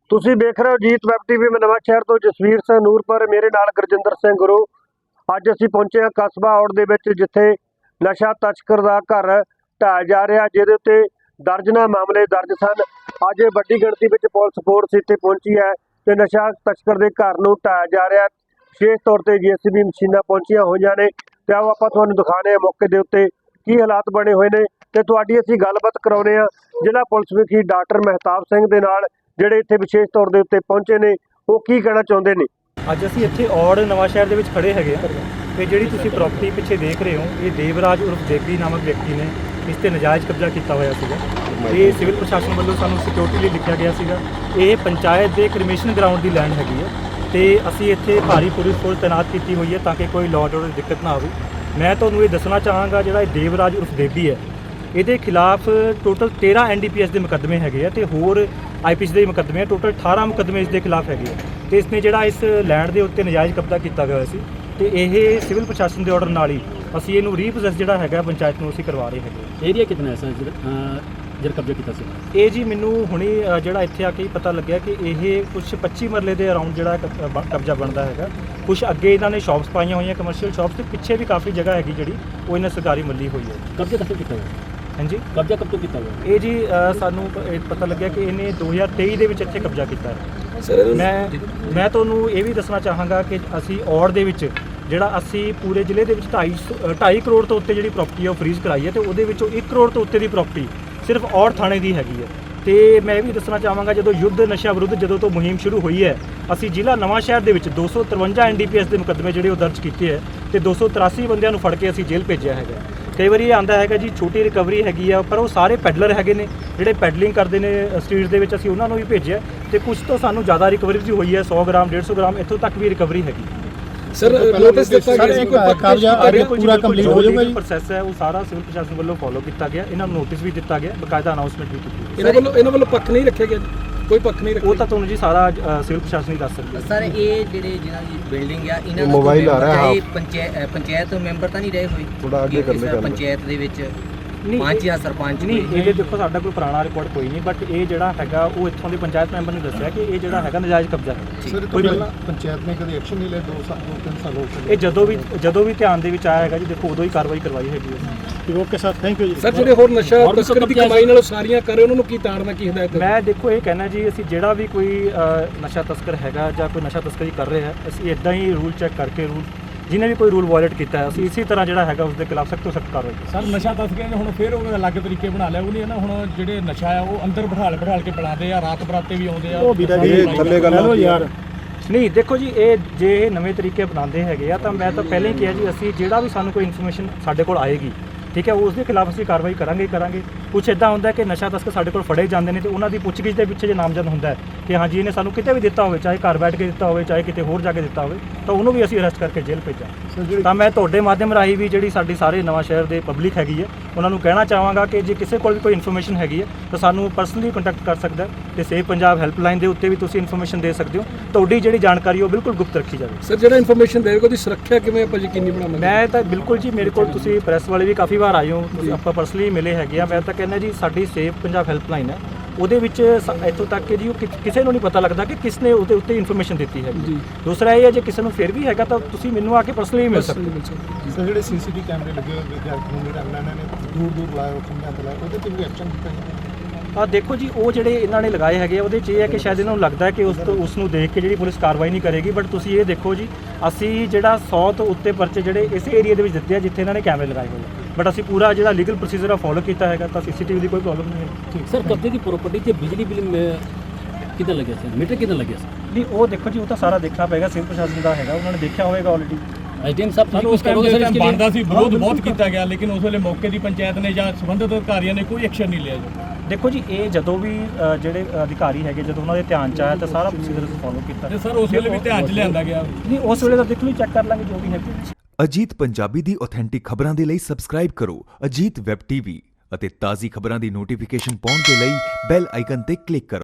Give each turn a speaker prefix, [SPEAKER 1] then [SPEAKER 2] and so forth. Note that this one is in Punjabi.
[SPEAKER 1] ਤੁਸੀਂ ਦੇਖ ਰਹੇ ਹੋ ਜੀਤ ਵੈਬ ਟੀਵੀ। ਮੈਂ ਨਵਾਂ ਸ਼ਹਿਰ ਤੋਂ ਜਸਵੀਰ ਸਿੰਘ ਨੂਰਪੁਰ, ਮੇਰੇ ਨਾਲ ਗੁਰਜਿੰਦਰ ਸਿੰਘ ਗੁਰੂ। ਅੱਜ ਅਸੀਂ ਪਹੁੰਚੇ ਹਾਂ ਕਸਬਾ ਔੜ ਦੇ ਵਿੱਚ, ਜਿੱਥੇ ਨਸ਼ਾ ਤਸਕਰ ਦਾ ਘਰ ਢਾਇਆ ਜਾ ਰਿਹਾ, ਜਿਹਦੇ ਉੱਤੇ ਦਰਜਨਾਂ ਮਾਮਲੇ ਦਰਜ ਸਨ। ਅੱਜ ਵੱਡੀ ਗਿਣਤੀ ਵਿੱਚ ਪੁਲਿਸ ਫੋਰਸ ਇੱਥੇ ਪਹੁੰਚੀ ਹੈ ਤੇ ਨਸ਼ਾ ਤਸਕਰ ਦੇ ਘਰ ਨੂੰ ਢਾਇਆ ਜਾ ਰਿਹਾ। ਵਿਸ਼ੇਸ਼ ਤੌਰ ਤੇ JCB ਮਸ਼ੀਨਾਂ ਪਹੁੰਚੀਆਂ ਹੋਈਆਂ ਨੇ ਤੇ ਆਓ ਆਪਾਂ ਤੁਹਾਨੂੰ ਦਿਖਾਣੇ ਆ ਮੌਕੇ ਦੇ ਉੱਤੇ ਕੀ ਹਾਲਾਤ ਬਣੇ ਹੋਏ ਨੇ ਤੇ ਤੁਹਾਡੀ ਅਸੀਂ ਗੱਲਬਾਤ ਕਰਾਉਣੇ ਆ ਜ਼ਿਲ੍ਹਾ ਪੁਲਿਸ ਮੁਖੀ ਡਾਕਟਰ ਮਹਿਤਾਬ ਸਿੰਘ ਦੇ ਨਾਲ, ਜਿਹੜੇ ਇੱਥੇ ਵਿਸ਼ੇਸ਼ ਤੌਰ ਦੇ ਉੱਤੇ ਪਹੁੰਚੇ ਨੇ। ਉਹ ਕੀ ਕਹਿਣਾ ਚਾਹੁੰਦੇ ਨੇ।
[SPEAKER 2] ਅੱਜ ਅਸੀਂ ਇੱਥੇ ਔੜ ਨਵਾਂ ਸ਼ਹਿਰ ਦੇ ਵਿੱਚ ਖੜੇ ਹੈਗੇ ਆ ਤੇ ਜਿਹੜੀ ਤੁਸੀਂ ਪ੍ਰਾਪਰਟੀ ਪਿੱਛੇ ਦੇਖ ਰਹੇ ਹੋ, ਇਹ ਦੇਵਰਾਜ ਉਰਫ ਦੇਵੀ ਨਾਮਕ ਵਿਅਕਤੀ ਨੇ ਇਸ ਤੇ ਨਜਾਇਜ਼ ਕਬਜ਼ਾ ਕੀਤਾ ਹੋਇਆ ਸੀਗਾ। ਇਹ ਸਿਵਲ ਪ੍ਰਸ਼ਾਸਨ ਵੱਲੋਂ ਸਾਨੂੰ ਸਿਕਿਉਰਿਟੀ ਲਈ ਲਿਖਿਆ ਗਿਆ ਸੀਗਾ। ਇਹ ਪੰਚਾਇਤ ਦੇ ਕ੍ਰਿਮੀਨਲ ਗਰਾਊਂਡ ਦੀ ਲੈਂਡ ਹੈਗੀ ਹੈ ਤੇ ਅਸੀਂ ਇੱਥੇ ਭਾਰੀ ਪੁਲਿਸ ਫੋਰਸ ਤੈਨਾਤ ਕੀਤੀ ਹੋਈ ਹੈ ਤਾਂ ਕਿ ਕੋਈ ਲਾਅ ਆਰਡਰ ਦੀ ਦਿੱਕਤ ਨਾ ਆਵੇ। ਮੈਂ ਤੁਹਾਨੂੰ ਇਹ ਦੱਸਣਾ ਚਾਹਾਂਗਾ, ਜਿਹੜਾ ਇਹ ਦੇਵਰਾਜ ਉਰਫ ਦੇਵੀ ਹੈ, ਇਹਦੇ ਖਿਲਾਫ ਟੋਟਲ 13 NDPS ਦੇ ਮੁਕੱਦਮੇ ਹੈਗੇ ਆ ਤੇ ਹੋਰ IPC ਦੇ ਮੁਕੱਦਮੇ ਆ। ਟੋਟਲ 18 ਮੁਕੱਦਮੇ ਇਸ ਦੇ ਖਿਲਾਫ ਹੈਗੇ ਆ ਤੇ ਇਸਨੇ ਜਿਹੜਾ ਇਸ ਲੈਂਡ ਦੇ ਉੱਤੇ ਨਜਾਇਜ਼ ਕਬਜ਼ਾ ਕੀਤਾ ਗਿਆ ਸੀ ਤੇ ਇਹ ਸਿਵਲ ਪ੍ਰਸ਼ਾਸਨ ਦੇ ਆਰਡਰ ਨਾਲ ਹੀ ਅਸੀਂ ਇਹਨੂੰ ਰੀਪੋਸੈਸ ਜਿਹੜਾ ਹੈਗਾ ਪੰਚਾਇਤ ਨੂੰ ਅਸੀਂ ਕਰਵਾ ਰਹੇ ਹੈਗੇ।
[SPEAKER 3] ਏਰੀਆ ਕਿੰਨਾ ਹੈ ਸਰ ਜਿਹੜਾ ਕਬਜ਼ਾ ਕੀਤਾ ਸੀ?
[SPEAKER 2] ਇਹ ਜੀ ਮੈਨੂੰ ਹੁਣੇ ਜਿਹੜਾ ਇੱਥੇ ਆ ਕੇ ਹੀ ਪਤਾ ਲੱਗਿਆ ਕਿ ਇਹ ਕੁਝ 25 ਮਰਲੇ ਦੇ ਅਰਾਊਂਡ ਜਿਹੜਾ ਕਬਜ਼ਾ ਬਣਦਾ ਹੈਗਾ। ਕੁਝ ਅੱਗੇ ਇਹਨਾਂ ਨੇ ਸ਼ਾਪਸ ਪਾਈਆਂ ਹੋਈਆਂ, ਕਮਰਸ਼ੀਅਲ ਸ਼ਾਪਸ, ਤੇ ਪਿੱਛੇ ਵੀ ਕਾਫੀ ਜਗ੍ਹਾ ਹੈਗੀ ਜਿਹੜੀ ਉਹ ਇਹਨਾਂ ਸਰਕਾਰੀ ਮੱਲੀ ਹੋਈ ਹੈ।
[SPEAKER 3] ਕਬਜ਼ਾ ਕਦੋਂ ਕੀਤਾ ਹੋਇਆ?
[SPEAKER 2] ਹਾਂਜੀ,
[SPEAKER 3] ਕਬਜ਼ਾ ਕਬ ਤੋਂ ਕੀਤਾ ਹੋਇਆ?
[SPEAKER 2] ਇਹ ਜੀ ਸਾਨੂੰ ਇਹ ਪਤਾ ਲੱਗਿਆ ਕਿ ਇਹਨੇ 2023 ਦੇ ਵਿੱਚ ਇੱਥੇ ਕਬਜ਼ਾ ਕੀਤਾ ਹੈ। ਮੈਂ ਤੁਹਾਨੂੰ ਇਹ ਵੀ ਦੱਸਣਾ ਚਾਹਾਂਗਾ ਕਿ ਅਸੀਂ ਔੜ ਦੇ ਵਿੱਚ ਜਿਹੜਾ ਅਸੀਂ ਪੂਰੇ ਜ਼ਿਲ੍ਹੇ ਦੇ ਵਿੱਚ 2.5 ਕਰੋੜ ਤੋਂ ਉੱਤੇ ਜਿਹੜੀ ਪ੍ਰਾਪਰਟੀ ਹੈ ਉਹ ਫਰੀਜ਼ ਕਰਾਈ ਹੈ ਤੇ ਉਹਦੇ ਵਿੱਚੋਂ 1 ਕਰੋੜ ਤੋਂ ਉੱਤੇ ਦੀ ਪ੍ਰਾਪਰਟੀ ਸਿਰਫ ਔੜ ਥਾਣੇ ਦੀ ਹੈਗੀ ਹੈ। ਤੇ ਮੈਂ ਇਹ ਵੀ ਦੱਸਣਾ ਚਾਹਾਂਗਾ, ਜਦੋਂ ਯੁੱਧ ਨਸ਼ਾ ਵਿਰੁੱਧ ਜਦੋਂ ਤੋਂ ਮੁਹਿੰਮ ਸ਼ੁਰੂ ਹੋਈ ਹੈ, ਅਸੀਂ ਜ਼ਿਲ੍ਹਾ ਨਵਾਂ ਸ਼ਹਿਰ ਦੇ ਵਿੱਚ 253 NDPS ਦੇ ਮੁਕੱਦਮੇ ਜਿਹੜੇ ਉਹ ਦਰਜ ਕੀਤੇ ਹੈ ਤੇ 283 ਬੰਦਿਆਂ ਨੂੰ ਫੜ ਕੇ ਅਸੀਂ ਜੇਲ੍ਹ ਭੇਜਿਆ ਹੈਗਾ। ਕਈ ਵਾਰੀ ਇਹ ਆਉਂਦਾ ਹੈਗਾ ਜੀ ਛੋਟੀ ਰਿਕਵਰੀ ਹੈਗੀ ਆ, ਪਰ ਉਹ ਸਾਰੇ ਪੈਡਲਰ ਹੈਗੇ ਨੇ ਜਿਹੜੇ ਪੈਡਲਿੰਗ ਕਰਦੇ ਨੇ ਸਟਰੀਟਸ ਦੇ ਵਿੱਚ, ਅਸੀਂ ਉਹਨਾਂ ਨੂੰ ਵੀ ਭੇਜਿਆ ਤੇ ਕੁਝ ਤੋਂ ਸਾਨੂੰ ਜ਼ਿਆਦਾ ਰਿਕਵਰੀ ਵੀ ਹੋਈ ਹੈ। 100 ਗ੍ਰਾਮ 150 ਗ੍ਰਾਮ ਇੱਥੋਂ ਤੱਕ ਵੀ ਰਿਕਵਰੀ ਹੈਗੀ।
[SPEAKER 4] ਸਰ ਨੋਟਿਸ ਦਿੱਤਾ ਗਿਆ ਸੀ ਕੋਈ ਕਬਜ਼ਾ ਪੂਰਾ ਕੰਪਲੀਟ ਹੋ ਜਾਊਗਾ ਜੀ?
[SPEAKER 2] ਪ੍ਰੋਸੈਸ ਹੈ ਉਹ ਸਾਰਾ ਸਿਵਲ ਪ੍ਰਸ਼ਾਸਨ ਵੱਲੋਂ ਫੋਲੋ ਕੀਤਾ ਗਿਆ। ਇਹਨਾਂ ਨੂੰ ਨੋਟਿਸ ਵੀ ਦਿੱਤਾ ਗਿਆ, ਬਕਾਇਦਾ ਅਨਾਉਂਸਮੈਂਟ ਵੀ ਕੀਤੀ ਗਈ।
[SPEAKER 4] ਇਹਨਾਂ ਵੱਲੋਂ ਪੱਖ ਨਹੀਂ ਰੱਖਿਆ ਗਿਆ? ਕੋਈ ਪੱਖ ਨਹੀਂ ਰੱਖਿਆ?
[SPEAKER 2] ਉਹ ਤਾਂ ਤੁਹਾਨੂੰ ਜੀ ਸਾਰਾ ਸਿਵਲ ਪ੍ਰਸ਼ਾਸਨ ਹੀ ਦੱਸ ਸਕਦਾ।
[SPEAKER 5] ਸਰ ਇਹ ਜਿਹੜੇ ਜਿਹਨਾਂ ਦੀ ਬਿਲਡਿੰਗ ਆ, ਇਹਨਾਂ ਦਾ ਮੋਬਾਈਲ ਆ ਰਿਹਾ ਹੈ, ਪੰਚਾਇਤ ਮੈਂਬਰ ਤਾਂ ਨਹੀਂ ਰਹੇ ਹੋਏ ਥੋੜਾ ਅੱਗੇ ਕਰ ਲੈ ਪੰਚਾਇਤ ਦੇ ਵਿੱਚ? ਪੰਚ ਜਾਂ ਸਰਪੰਚ
[SPEAKER 2] ਨਹੀਂ, ਇਹਦੇ ਦੇਖੋ ਸਾਡਾ ਕੋਈ ਪੁਰਾਣਾ ਰਿਕਾਰਡ ਕੋਈ ਨਹੀਂ, ਬਟ ਇਹ ਜਿਹੜਾ ਹੈਗਾ ਉਹ ਇੱਥੋਂ ਦੇ ਪੰਚਾਇਤ ਮੈਂਬਰ ਨੇ ਦੱਸਿਆ ਕਿ ਇਹ ਜਿਹੜਾ ਹੈਗਾ ਨਜਾਇਜ਼ ਕਬਜ਼ਾ ਹੈ।
[SPEAKER 4] ਕੋਈ ਪੰਚਾਇਤ ਨੇ ਕਦੇ ਐਕਸ਼ਨ ਨਹੀਂ ਲਿਆ? 2-3 ਸਾਲ ਹੋ ਗਏ।
[SPEAKER 2] ਇਹ ਜਦੋਂ ਵੀ ਧਿਆਨ ਦੇ ਵਿੱਚ ਆਇਆ ਹੈਗਾ ਜੀ, ਦੇਖੋ ਉਦੋਂ ਹੀ ਕਾਰਵਾਈ ਕਰਵਾਈ ਹੈਗੀ ਹੈ।
[SPEAKER 3] ਓਕੇ ਸਰ, ਥੈਂਕ ਯੂ ਜੀ।
[SPEAKER 4] ਸਰ ਜਿਹੜੇ ਹੋਰ ਨਸ਼ਾ ਤਸਕਰ ਦੀ ਕਮਾਈ ਨਾਲ ਸਾਰੀਆਂ ਕਰ ਰਹੇ, ਉਹਨਾਂ ਨੂੰ ਕੀ ਤਾੜਨਾ, ਕੀ ਹਦਾਇਤ?
[SPEAKER 2] ਮੈਂ ਦੇਖੋ ਇਹ ਕਹਿਣਾ ਜੀ, ਅਸੀਂ ਜਿਹੜਾ ਵੀ ਕੋਈ ਨਸ਼ਾ ਤਸਕਰ ਹੈਗਾ ਜਾਂ ਕੋਈ ਨਸ਼ਾ ਤਸਕਰੀ ਕਰ ਰਿਹਾ ਹੈ, ਅਸੀਂ ਇਦਾਂ ਹੀ ਰੂਲ ਚੈੱਕ ਕਰਕੇ ਰੂਲ ਜਿਹਨੇ ਵੀ ਕੋਈ ਰੂਲ ਵਾਇਲੇਟ ਕੀਤਾ ਹੈ ਅਸੀਂ ਇਸੇ ਤਰ੍ਹਾਂ ਜਿਹੜਾ ਹੈਗਾ ਉਸ ਦੇ ਖਿਲਾਫ ਸਖਤ ਤੋਂ ਸਖਤ ਕਾਰਵਾਈ।
[SPEAKER 6] ਸਰ ਨਸ਼ਾ ਤਸਕਰਾਂ ਨੇ ਹੁਣ ਫਿਰ ਉਹ ਅਲੱਗ ਤਰੀਕੇ ਬਣਾ ਲਿਆ, ਉਹ ਨਹੀਂ ਹੈ ਨਾ, ਹੁਣ ਜਿਹੜੇ ਨਸ਼ਾ ਆ ਉਹ ਅੰਦਰ ਬਿਠਾ ਕੇ ਪਿਲਾਉਂਦੇ ਆ, ਰਾਤ ਬਰਾਤੇ ਵੀ ਆਉਂਦੇ ਆ।
[SPEAKER 3] ਉਹ ਥੱਲੇ ਗੱਲ ਯਾਰ
[SPEAKER 2] ਨਹੀਂ ਦੇਖੋ ਜੀ, ਇਹ ਜੇ ਇਹ ਨਵੇਂ ਤਰੀਕੇ ਅਪਣਾਉਂਦੇ ਹੈਗੇ ਆ ਤਾਂ ਮੈਂ ਤਾਂ ਪਹਿਲਾਂ ਹੀ ਕਿਹਾ ਜੀ, ਅਸੀਂ ਜਿਹੜਾ ਵੀ ਸਾਨੂੰ ਕੋਈ ਇਨਫੋਰਮੇਸ਼ਨ ਸਾਡੇ ਕੋਲ ਆਏਗੀ, ਠੀਕ ਹੈ, ਉਸ ਦੇ ਖਿਲਾਫ ਅਸੀਂ ਕਾਰਵਾਈ ਕਰਾਂਗੇ। ਕੁਛ ਇੱਦਾਂ ਹੁੰਦਾ ਕਿ ਨਸ਼ਾ ਤਸਕਰ ਸਾਡੇ ਕੋਲ ਫੜੇ ਜਾਂਦੇ ਨੇ ਤੇ ਉਹਨਾਂ ਦੀ ਪੁੱਛਗਿੱਛ ਦੇ ਪਿੱਛੇ ਜੇ ਨਾਮਜ਼ਦ ਹੁੰਦਾ ਹੈ ਕਿ ਹਾਂ ਜੀ ਇਹਨੇ ਸਾਨੂੰ ਕਿਤੇ ਵੀ ਦਿੱਤਾ ਹੋਵੇ, ਚਾਹੇ ਘਰ ਬੈਠ ਕੇ ਦਿੱਤਾ ਹੋਵੇ, ਚਾਹੇ ਕਿਤੇ ਹੋਰ ਜਾ ਕੇ ਦਿੱਤਾ ਹੋਵੇ, ਤਾਂ ਉਹਨੂੰ ਵੀ ਅਸੀਂ ਅਰੈਸਟ ਕਰਕੇ ਜੇਲ੍ਹ ਭੇਜਾਂ। ਤਾਂ ਮੈਂ ਤੁਹਾਡੇ ਮਾਧਿਅਮ ਰਾਹੀਂ ਵੀ ਜਿਹੜੀ ਸਾਡੀ ਸਾਰੇ ਨਵਾਂ ਸ਼ਹਿਰ ਦੇ ਪਬਲਿਕ ਹੈਗੀ ਹੈ, ਉਹਨਾਂ ਨੂੰ ਕਹਿਣਾ ਚਾਹਾਂਗਾ ਕਿ ਜੇ ਕਿਸੇ ਕੋਲ ਵੀ ਕੋਈ ਇਨਫੋਰਮੇਸ਼ਨ ਹੈਗੀ ਹੈ ਤਾਂ ਸਾਨੂੰ ਪਰਸਨਲੀ ਕੰਟੈਕਟ ਕਰ ਸਕਦਾ ਹੈ ਤੇ ਸੇਵ ਪੰਜਾਬ ਹੈਲਪਲਾਈਨ ਦੇ ਉੱਤੇ ਵੀ ਤੁਸੀਂ ਇਨਫੋਰਮੇਸ਼ਨ ਦੇ ਸਕਦੇ ਹੋ। ਤੁਹਾਡੀ ਜਿਹੜੀ ਜਾਣਕਾਰੀ ਉਹ ਬਿਲਕੁਲ ਗੁਪਤ ਰੱਖੀ ਜਾਵੇ।
[SPEAKER 4] ਸਰ ਜਿਹੜਾ ਇਨਫੋਰਮੇਸ਼ਨ ਦੇਵੇਗਾ ਉਹਦੀ ਸੁਰੱਖਿਆ ਕਿਵੇਂ ਆਪਾਂ ਯਕੀਨੀ ਬਣਾਵਾਂਗੇ?
[SPEAKER 2] ਮੈਂ ਤਾਂ ਬਿਲਕੁਲ ਜੀ, ਮੇਰੇ ਕੋਲ ਤੁਸੀਂ ਪ੍ਰੈਸ ਵਾਲੇ ਵੀ ਕਾਫੀ ਵਾਰ ਆਏ ਹੋ, ਆਪਾਂ ਪਰਸਨਲੀ ਮਿਲੇ ਹੈਗੇ ਆ। ਮੈਂ ਤਾਂ ਕਹਿੰਦਾ ਜੀ ਸਾਡੀ ਸੇਵ ਪੰਜਾਬ ਹੈਲਪਲਾਈਨ ਹੈ, ਉਹਦੇ ਵਿੱਚ ਇੱਥੋਂ ਤੱਕ ਕਿ ਜੀ ਉਹ ਕਿਸੇ ਨੂੰ ਨਹੀਂ ਪਤਾ ਲੱਗਦਾ ਕਿ ਕਿਸ ਨੇ ਉਹਦੇ ਉੱਤੇ ਇਨਫੋਰਮੇਸ਼ਨ ਦਿੱਤੀ ਹੈ ਜੀ। ਦੂਸਰਾ ਇਹ ਹੈ ਜੇ ਕਿਸੇ ਨੂੰ ਫਿਰ ਵੀ ਹੈਗਾ ਤਾਂ ਤੁਸੀਂ ਮੈਨੂੰ ਆ ਕੇ ਪਰਸਨਲੀ ਮਿਲ ਸਕਦੇ ਹੋ।
[SPEAKER 4] ਸਰ ਜਿਹੜੇ CCTV ਕੈਮਰੇ ਲੱਗੇ ਹੋਏ ਵਿਦਿਆਰਥੀ ਨੂੰ ਜਿਹੜਾ ਇਹਨਾਂ ਨੇ ਦੂਰ ਲਾਇਆ, ਖੰਭਿਆਂ ਤੇ ਲਾਇਆ, ਉਹਦੇ ਤੇ ਵੀ ਐਕਸ਼ਨ ਕੀਤਾ ਜਾਂਦਾ?
[SPEAKER 2] ਦੇਖੋ ਜੀ, ਉਹ ਜਿਹੜੇ ਇਹਨਾਂ ਨੇ ਲਗਾਏ ਹੈਗੇ ਉਹਦੇ 'ਚ ਇਹ ਹੈ ਕਿ ਸ਼ਾਇਦ ਇਹਨਾਂ ਨੂੰ ਲੱਗਦਾ ਹੈ ਕਿ ਉਸ ਨੂੰ ਦੇਖ ਕੇ ਜਿਹੜੀ ਪੁਲਿਸ ਕਾਰਵਾਈ ਨਹੀਂ ਕਰੇਗੀ, ਬਟ ਤੁਸੀਂ ਇਹ ਦੇਖੋ ਜੀ, ਅਸੀਂ ਜਿਹੜਾ 100 ਤੋਂ ਉੱਤੇ ਪਰਚੇ ਜਿਹੜੇ ਇਸ ਏਰੀਆ ਦੇ ਵਿੱਚ ਦਿੱਤੇ ਆ ਜਿੱਥੇ ਇਹਨਾਂ ਨੇ ਕੈਮਰੇ ਲਗਾਏ ਹੋਏ, ਬਟ ਅਸੀਂ ਪੂਰਾ ਜਿਹੜਾ ਲੀਗਲ ਪ੍ਰੋਸੀਜਰ ਆ ਫੋਲੋ ਕੀਤਾ ਹੈਗਾ, ਤਾਂ CCTV ਦੀ ਕੋਈ ਪ੍ਰੋਬਲਮ ਨਹੀਂ ਹੈ।
[SPEAKER 3] ਠੀਕ ਸਰ, ਕਬਜ਼ੇ ਦੀ ਪ੍ਰਾਪਰਟੀ ਤੇ ਬਿਜਲੀ ਬਿੱਲ ਕਿੱਦਾਂ ਲੱਗਿਆ ਸਰ? ਮੀਟਰ ਕਿੱਦਾਂ ਲੱਗਿਆ ਸਰ?
[SPEAKER 2] ਨਹੀਂ ਉਹ ਦੇਖੋ ਜੀ, ਉਹ ਤਾਂ ਸਾਰਾ ਦੇਖਣਾ ਪਏਗਾ, ਸਿਵਲ ਪ੍ਰਸ਼ਾਸਨ ਦਾ ਹੈਗਾ, ਉਹਨਾਂ ਨੇ ਦੇਖਿਆ ਹੋਵੇਗਾ ਆਲਰੇਡੀ।
[SPEAKER 3] SDM ਸਾਹਿਬ
[SPEAKER 6] ਸਾਨੂੰ ਉਸ ਟਾਈਮ ਬਣਦਾ ਸੀ, ਵਿਰੋਧ ਬਹੁਤ ਕੀਤਾ ਗਿਆ, ਲੇਕਿਨ ਉਸ ਵੇਲੇ ਮੌਕੇ ਦੀ ਪੰਚਾਇਤ ਨੇ ਜਾਂ ਸੰਬੰਧਿਤ ਅਧਿਕਾਰੀਆਂ ਨੇ ਕੋਈ ਐਕਸ਼ਨ ਨਹੀਂ ਲਿਆ ਜੀ।
[SPEAKER 2] ਦੇਖੋ ਜੀ, ਇਹ ਜਦੋਂ ਵੀ ਜਿਹੜੇ ਅਧਿਕਾਰੀ ਹੈਗੇ ਜਦੋਂ ਉਹਨਾਂ ਦੇ ਧਿਆਨ 'ਚ ਆਇਆ ਤਾਂ ਸਾਰਾ ਪ੍ਰੋਸੀਜਰ ਫੋਲੋ ਕੀਤਾ।
[SPEAKER 6] ਤੇ ਸਰ ਉਸ ਵੇਲੇ ਵੀ ਧਿਆਨ 'ਚ ਲਿਆਂਦਾ ਗਿਆ?
[SPEAKER 2] ਨਹੀਂ, ਉਸ ਵੇਲੇ ਤਾਂ ਦੇਖ ਲਓ, ਚੈੱਕ ਕਰ ਲਾਂਗੇ ਜੋ ਵੀ ਹੈ।
[SPEAKER 7] ਅਜੀਤ ਪੰਜਾਬੀ ਦੀ ਆਥੈਂਟਿਕ ਖਬਰਾਂ ਦੇ ਲਈ ਸਬਸਕ੍ਰਾਈਬ ਕਰੋ ਅਜੀਤ ਵੈਬ ਟੀਵੀ ਅਤੇ ਤਾਜ਼ੀ ਖਬਰਾਂ ਦੀ ਨੋਟੀਫਿਕੇਸ਼ਨ ਪਾਉਣ ਦੇ ਲਈ ਬੈਲ ਆਈਕਨ ਤੇ ਕਲਿੱਕ ਕਰੋ।